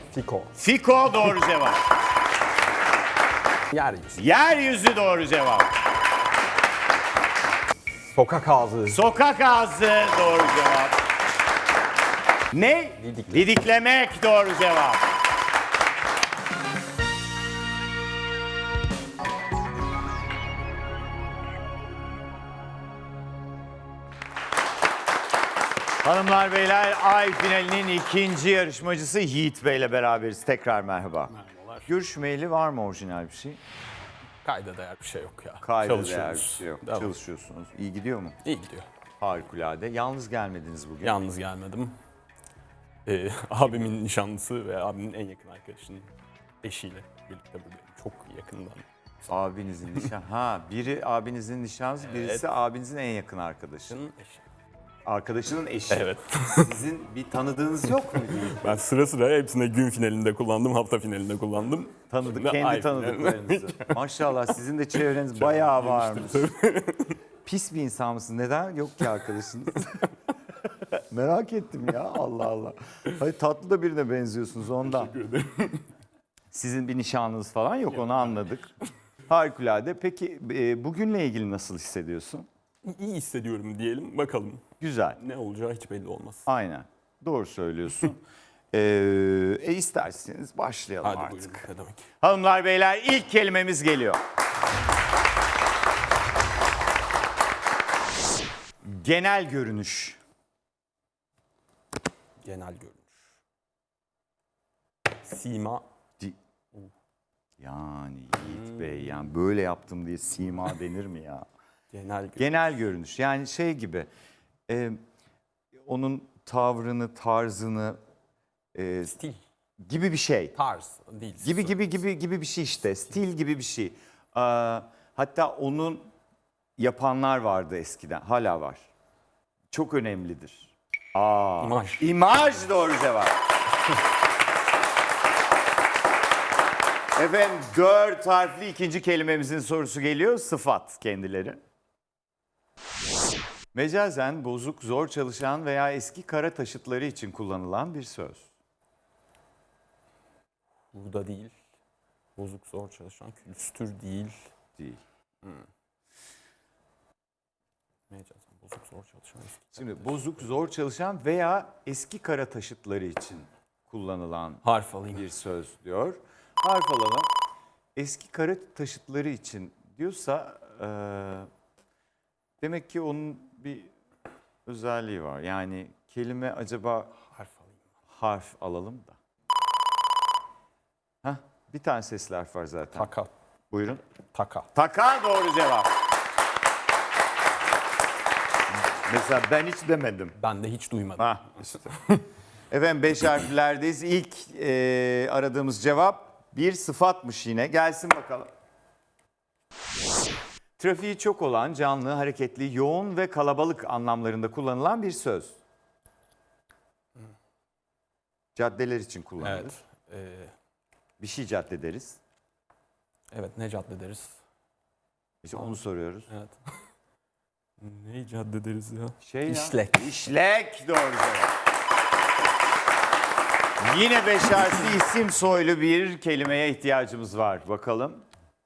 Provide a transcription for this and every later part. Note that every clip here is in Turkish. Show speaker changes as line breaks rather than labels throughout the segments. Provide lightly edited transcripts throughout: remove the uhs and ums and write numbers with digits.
Fiko.
Fiko doğru cevap.
Yeryüzü.
Yeryüzü doğru cevap.
Sokak ağzı.
Sokak ağzı doğru cevap. Ne? Didiklemek doğru cevap. Hanımlar beyler, Ay finalinin ikinci yarışmacısı Yiğit Bey ile beraberiz. Tekrar merhaba.
Merhabalar.
Görüşmeyeli var mı orijinal bir şey?
Kayda değer bir şey yok ya.
Kayda değer bir
Çalışıyoruz.
şey yok.
Devam.
Çalışıyorsunuz. İyi gidiyor mu?
İyi gidiyor.
Harikulade. Yalnız gelmediniz bugün.
Yalnız gelmedim. Abimin nişanlısı ve abimin en yakın arkadaşının eşiyle birlikte buradayım. Çok yakından.
Abinizin nişan. Ha, biri abinizin nişanlısı, birisi abinizin en yakın arkadaşı.
Eşi.
Arkadaşının eşi.
Evet.
Sizin bir tanıdığınız yok mu?
Ben sıra sıra hepsine gün finalinde kullandım, hafta finalinde kullandım.
Tanıdık,
Şimdi
kendi
ay
tanıdıklarınızı. Maşallah sizin de çevreniz bayağı varmış. Pis bir insan mısın? Neden yok ki arkadaşınız? Merak ettim ya, Allah Allah. Hayır, tatlı da birine benziyorsunuz ondan.
Teşekkür ederim.
Sizin bir nişanınız falan yok, onu anladık. Harikulade. Peki bugünle ilgili nasıl hissediyorsun?
İyi hissediyorum diyelim, bakalım.
Güzel.
Ne olacağı hiç belli olmaz.
Aynen. Doğru söylüyorsun. İsterseniz başlayalım
Hadi
artık.
buyurun, ne demek.
Hanımlar beyler, ilk kelimemiz geliyor. Genel görünüş.
Genel görünüş. Sima.
Yani Yiğit Bey, yani böyle yaptım diye sima denir mi ya?
Genel görünüş.
Genel görünüş, yani şey gibi, onun tavrını, tarzını
Stil.
gibi bir şey.
Tarz değil.
Gibi bir şey işte. Stil gibi bir şey. Hatta onun yapanlar vardı eskiden. Hala var. Çok önemlidir.
İmaj.
İmaj doğru cevap. Efendim 4 harfli ikinci kelimemizin sorusu geliyor. Sıfat kendileri. Mecazen bozuk, zor çalışan veya eski kara taşıtları için kullanılan bir söz.
Burada değil. Bozuk zor çalışan külüstür değil.
Değil.
Mecazen bozuk zor çalışan.
Şimdi bozuk, zor çalışan veya eski kara taşıtları için kullanılan
Harf alayım.
bir söz diyor. Harf alalım. Eski kara taşıtları için diyorsa demek ki onun bir özelliği var. Yani kelime acaba
Harf alayım.
harf alalım da. Hah, bir tane sesli harf var zaten.
Taka.
Buyurun.
Taka.
Taka doğru cevap. Mesela ben hiç demedim.
Ben de hiç duymadım.
Ha işte. Efendim 5 harflerdeyiz. İlk aradığımız cevap bir sıfatmış yine. Gelsin bakalım. Trafiği çok olan, canlı, hareketli, yoğun ve kalabalık anlamlarında kullanılan bir söz. Caddeler için kullanılır.
Evet.
Bir şey cadde deriz.
Evet, ne cadde deriz?
İşte onu soruyoruz.
Evet. Ne cadde deriz ya?
Şey ya,
İşlek.
İşlek doğru cevap. Yine 5 harfli isim soylu bir kelimeye ihtiyacımız var. Bakalım.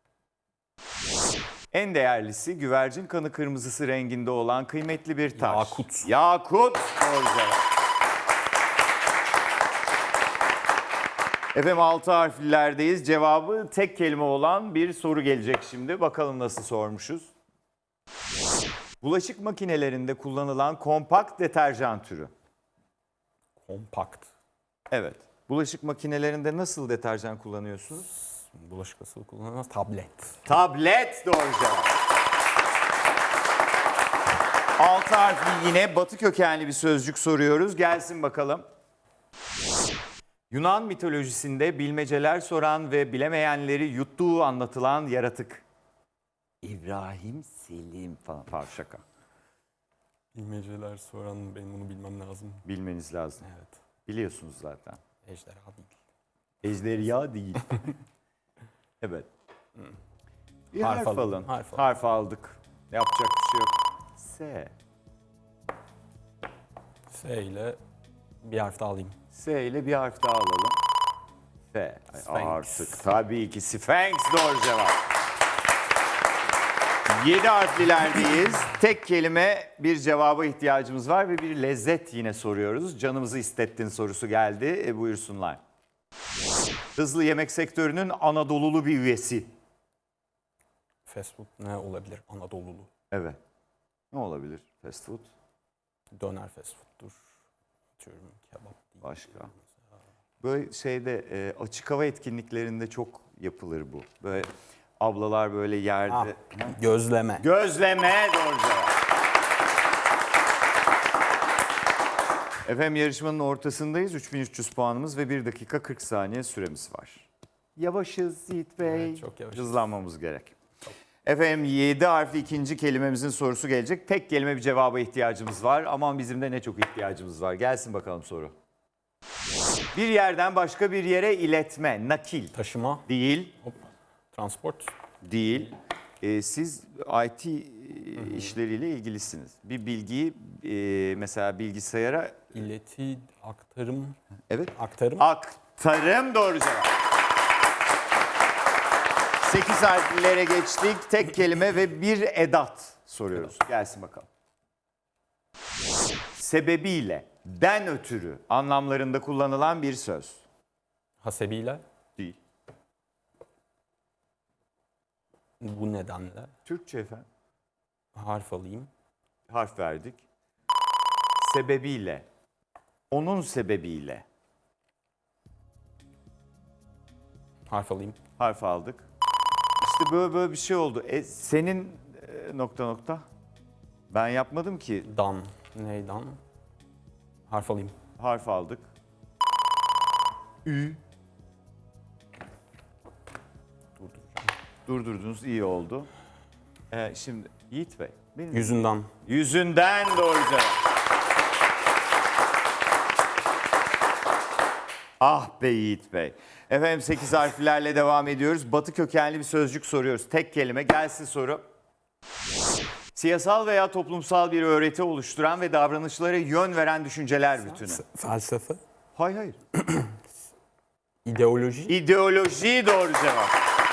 En değerlisi güvercin kanı kırmızısı renginde olan kıymetli bir taş.
Yakut.
Yakut doğru cevap. Efendim 6 harflilerdeyiz. Cevabı tek kelime olan bir soru gelecek şimdi. Bakalım nasıl sormuşuz. Bulaşık makinelerinde kullanılan kompakt deterjan türü.
Kompakt.
Evet. Bulaşık makinelerinde nasıl deterjan kullanıyorsunuz?
Bulaşık asılı kullanılmaz. Tablet.
Tablet doğru cevap. 6 harfli yine batı kökenli bir sözcük soruyoruz. Gelsin bakalım. Yunan mitolojisinde bilmeceler soran ve bilemeyenleri yuttuğu anlatılan yaratık. İbrahim Selim falan. Pardon, şaka.
Bilmeceler soran benim bunu bilmem lazım.
Bilmeniz lazım.
Evet.
Biliyorsunuz zaten.
Ejderha değil.
Ejderha değil. Evet. Bir harf,
Harf
alın.
alın.
Harf aldık. Yapacak bir şey yok. S.
S ile bir harf daha alayım.
S ile bir harf daha alalım. F.
Sphinx.
Artık tabii ki Sphinx doğru cevap. 7 harflilerdeyiz. Tek kelime bir cevaba ihtiyacımız var ve bir lezzet yine soruyoruz. Canımızı istettin sorusu geldi. Buyursunlar. Hızlı yemek sektörünün Anadolulu bir üyesi.
Fast food ne olabilir? Anadolulu.
Evet. Ne olabilir fast food?
Döner fast food'dur. Atıyorum kebap değil.
Başka? Böyle açık hava etkinliklerinde çok yapılır bu. Böyle ablalar böyle yerde.
Ah, gözleme.
Gözleme doğru cevap. Efendim yarışmanın ortasındayız. 3300 puanımız ve 1 dakika 40 saniye süremiz var. Yavaşız Yiğit Bey.
Evet, çok yavaşız.
Hızlanmamız gerek. Efendim 7 harfli ikinci kelimemizin sorusu gelecek. Tek kelime bir cevaba ihtiyacımız var. Aman bizim de ne çok ihtiyacımız var. Gelsin bakalım soru. Bir yerden başka bir yere iletme, nakil.
Taşıma.
Değil,
Hop. Transport.
değil. Siz IT işleriyle ilgilisiniz. Bir bilgiyi mesela bilgisayara...
İleti, aktarım.
Evet.
Aktarım.
Aktarım doğru cevap. 8 harflere geçtik. Tek kelime ve bir edat soruyoruz. Gelsin bakalım. Sebebiyle, den ötürü anlamlarında kullanılan bir söz.
Hasebiyle.
Değil.
Bu nedenle.
Türkçe efendim.
Harf alayım.
Harf verdik. Sebebiyle, onun sebebiyle
Harf alayım.
harf aldık. İşte böyle bir şey oldu. Senin nokta nokta. Ben yapmadım ki.
Dan. Neydan? Harf alayım.
Harf aldık. Ü.
Durduracağım.
Durdurdunuz iyi oldu. Şimdi Yiğit Bey. Benim
Yüzünden.
yüzünden doğru cevap. Ah be Yiğit Bey. Efendim 8 harflerle devam ediyoruz. Batı kökenli bir sözcük soruyoruz. Tek kelime gelsin soru. Siyasal veya toplumsal bir öğreti oluşturan ve davranışlara yön veren düşünceler bütünü.
Felsefe.
Hayır.
İdeoloji.
İdeoloji doğru cevap.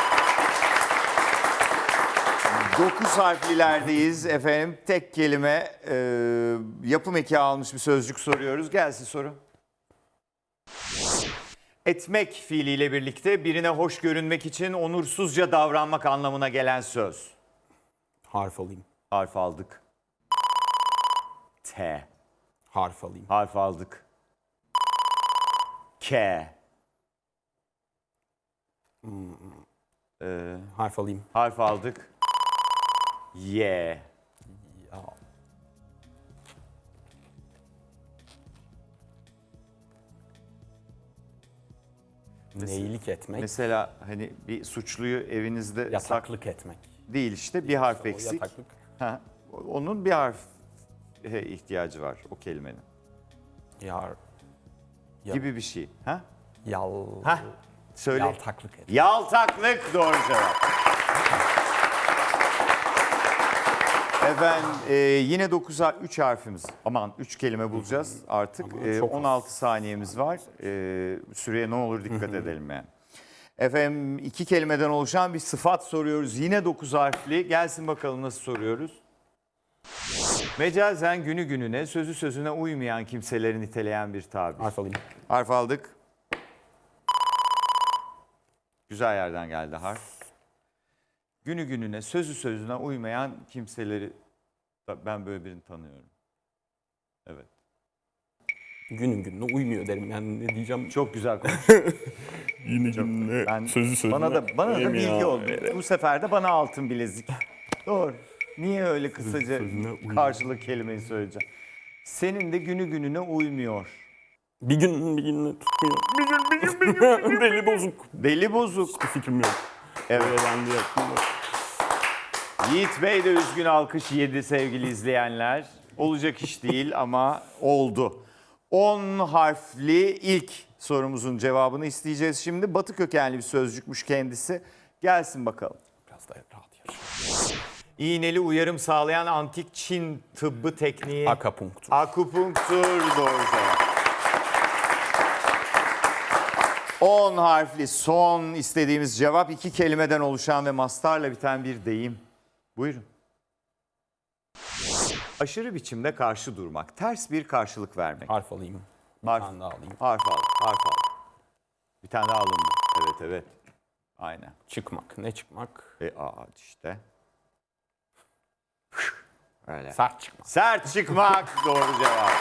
9 harflilerdeyiz efendim. Tek kelime yapım eki almış bir sözcük soruyoruz. Gelsin soru. Etmek fiiliyle birlikte birine hoş görünmek için onursuzca davranmak anlamına gelen söz.
Harf alayım.
Harf aldık. T.
Harf alayım.
Harf aldık. K.
Harf alayım.
Harf aldık. Y.
Ya. Neylik etmek.
Mesela hani bir suçluyu evinizde
Yataklık etmek.
değil işte bir harf
O
eksik.
yataklık.
Ha, onun bir harf ihtiyacı var o kelimenin.
Yar. Ya-
Gibi bir şey. Ha?
Yal.
Söyle.
Yaltaklık etmek.
Yaltaklık doğru cevap. Efendim yine 9'a 3 harfimiz. Aman 3 kelime bulacağız artık.
Ama çok az.
16 saniyemiz var. Süreye ne olur dikkat edelim yani. Efendim 2 kelimeden oluşan bir sıfat soruyoruz. Yine 9 harfli. Gelsin bakalım nasıl soruyoruz. Mecazen günü gününe, sözü sözüne uymayan kimseleri niteleyen bir tabir.
Harf alayım.
Harf aldık. Güzel yerden geldi harf. Günü gününe, sözü sözüne uymayan kimseleri ben böyle birini tanıyorum. Evet.
Günün gününe uymuyor derim yani ne diyeceğim.
Çok güzel konuş.
Yine gününe
Ben
sözü sözüne.
bana da bilgi
uymuyor.
oldu. Bu sefer de bana altın bilezik. Doğru. Niye öyle kısaca
sözüne uymuyor.
karşılık kelimeyi söyleyeceğim? Senin de günü gününe uymuyor.
Bir gün bir gününe tutmuyor. Bir gün. Deli bozuk.
Deli bozuk.
Hiçbir fikrim yok.
Evet.
Öğrendi yaptım.
Yiğit Bey de üzgün alkış yedi sevgili izleyenler. Olacak iş değil ama oldu. 10 harfli ilk sorumuzun cevabını isteyeceğiz şimdi. Batı kökenli bir sözcükmüş kendisi. Gelsin bakalım.
Biraz daha rahat yaşa.
İğneli uyarım sağlayan antik Çin tıbbı tekniği.
Akupunktur.
Akupunktur doğru cevap. 10 harfli son istediğimiz cevap 2 kelimeden oluşan ve mastarla biten bir deyim. Buyurun. Aşırı biçimde karşı durmak, ters bir karşılık vermek.
Harf alayım. Bir
Harf.
tane daha alayım.
Harf al, harf al. Bir tane daha alındı. Evet, evet. Aynen.
Çıkmak. Ne çıkmak?
İşte. Öyle.
Sert çıkmak.
Sert çıkmak doğru cevap.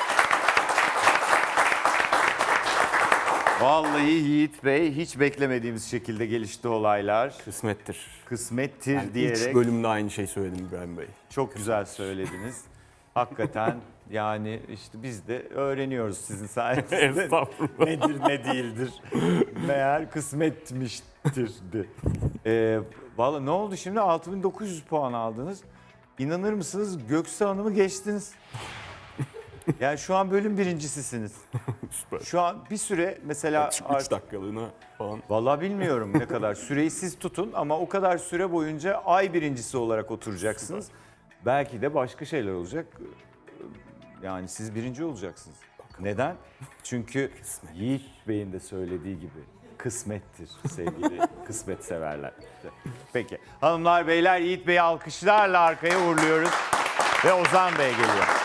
Vallahi Yiğit Bey hiç beklemediğimiz şekilde gelişti olaylar.
Kısmettir.
Kısmettir
Yani
diyerek
3 bölümde aynı şey söyledim İbrahim Bey.
çok güzel söylediniz. Hakikaten yani işte biz de öğreniyoruz sizin sayenizde.
Estağfurullah.
Nedir ne değildir. Meğer kısmetmiştirdi. Vallahi ne oldu şimdi? 6900 puan aldınız. İnanır mısınız? Göksu Hanım'ı geçtiniz. Yani şu an bölüm birincisisiniz.
Süper.
Şu an bir süre mesela...
3 dakikalığına falan.
Vallahi bilmiyorum ne kadar. Süreyi siz tutun ama o kadar süre boyunca ay birincisi olarak oturacaksınız. Belki de başka şeyler olacak. Yani siz birinci olacaksınız. Neden? Çünkü Yiğit Bey'in de söylediği gibi kısmettir sevgili kısmet severler. Peki hanımlar beyler Yiğit Bey'i alkışlarla arkaya uğurluyoruz ve Ozan Bey geliyor.